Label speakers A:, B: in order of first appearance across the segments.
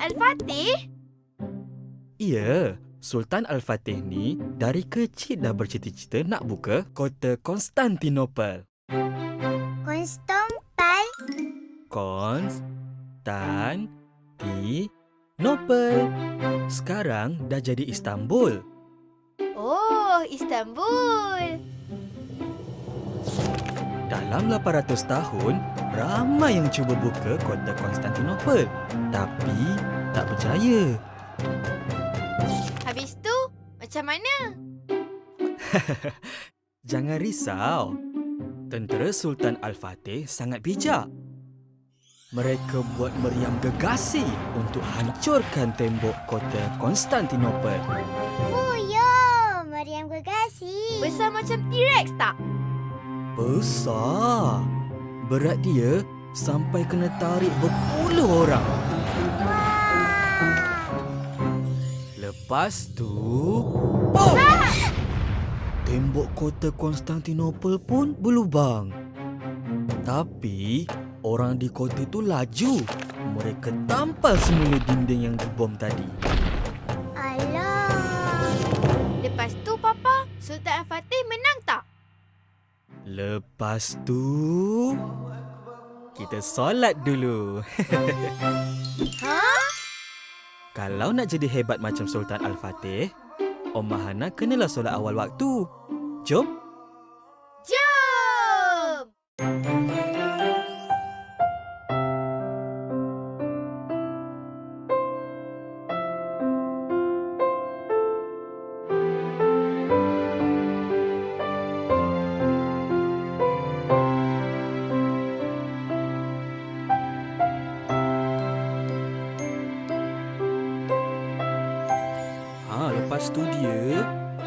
A: Al-Fatih?
B: Ya, Sultan Al-Fatih ni dari kecil dah bercita-cita nak buka kota Konstantinopel.
C: Konstompal?
B: Konstantinopel. Sekarang dah jadi Istanbul.
A: Oh, Istanbul.
B: Dalam 800 tahun, ramai yang cuba buka kota Konstantinopel. Tapi tak berjaya.
A: Habis tu, macam mana?
B: Jangan risau. Tentera Sultan Al-Fatih sangat bijak. Mereka buat meriam gegasi untuk hancurkan tembok kota Konstantinopel.
C: Fuyo, meriam gegasi.
A: Besar macam T-Rex tak?
B: Besar. Berat dia sampai kena tarik berpuluh orang.
C: Wah.
B: Lepas tu... Bom! Tembok kota Konstantinopel pun berlubang. Tapi, orang di kota itu laju. Mereka tampal semula dinding yang dibom tadi.
C: Alah.
A: Lepas tu, Papa, Sultan Al-Fatih menang tak?
B: Lepas tu... Kita solat dulu.
A: Ha?
B: Kalau nak jadi hebat macam Sultan Al-Fatih, Om Mahana kenalah solat awal waktu. Jom.
A: Jom!
B: Lepas tu dia...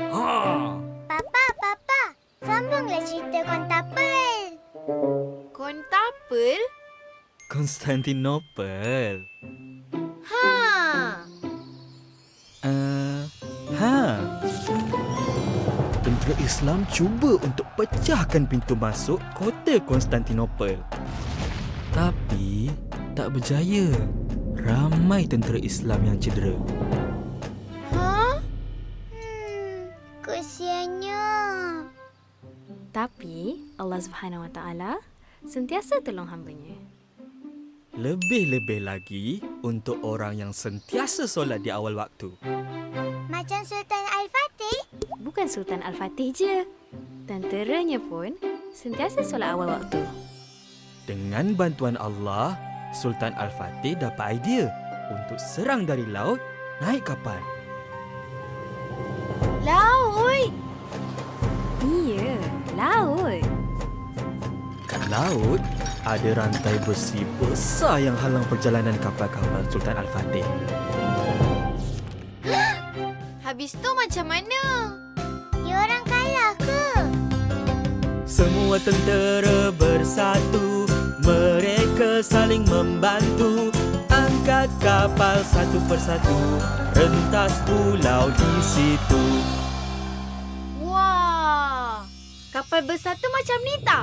C: Papa. Sambunglah cerita Kontapel.
A: Kontapel?
B: Konstantinopel.
A: Ha!
B: Tentera Islam cuba untuk pecahkan pintu masuk kota Konstantinopel. Tapi tak berjaya. Ramai tentera Islam yang cedera.
A: Ha?
C: Kesiannya.
D: Tapi Allah Subhanahu Wa Taala sentiasa tolong hamba-Nya.
B: Lebih-lebih lagi untuk orang yang sentiasa solat di awal waktu.
C: Macam Sultan Al-Fatih.
D: Bukan Sultan Al-Fatih je. Tenteranya pun sentiasa solat awal waktu.
B: Dengan bantuan Allah, Sultan Al-Fatih dapat idea untuk serang dari laut naik kapal.
A: Laut!
D: Iya, laut.
B: Kat laut, ada rantai besi besar yang halang perjalanan kapal-kapal Sultan Al-Fatih.
A: Habis tu macam mana?
C: Diorang kalah ke?
B: Semua tentera bersatu, mereka saling membantu. Angkat kapal satu persatu, rentas pulau di situ.
A: Wah! Kapal besar tu macam ni tak?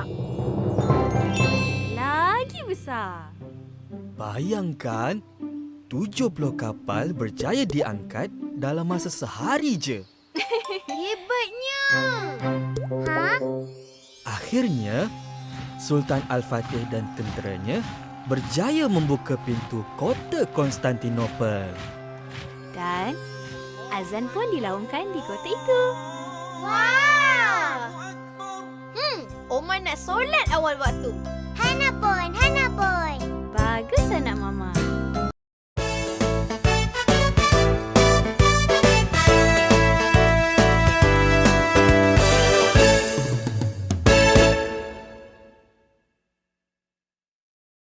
D: Lagi besar.
B: Bayangkan, 70 kapal berjaya diangkat dalam masa sehari je.
A: Hebatnya!
C: Ha?
B: Akhirnya, Sultan Al-Fatih dan tenteranya berjaya membuka pintu kota Konstantinopel.
D: Dan azan pun dilaungkan di kota itu.
A: Wah! Oma nak solat awal waktu.
C: Hana pun.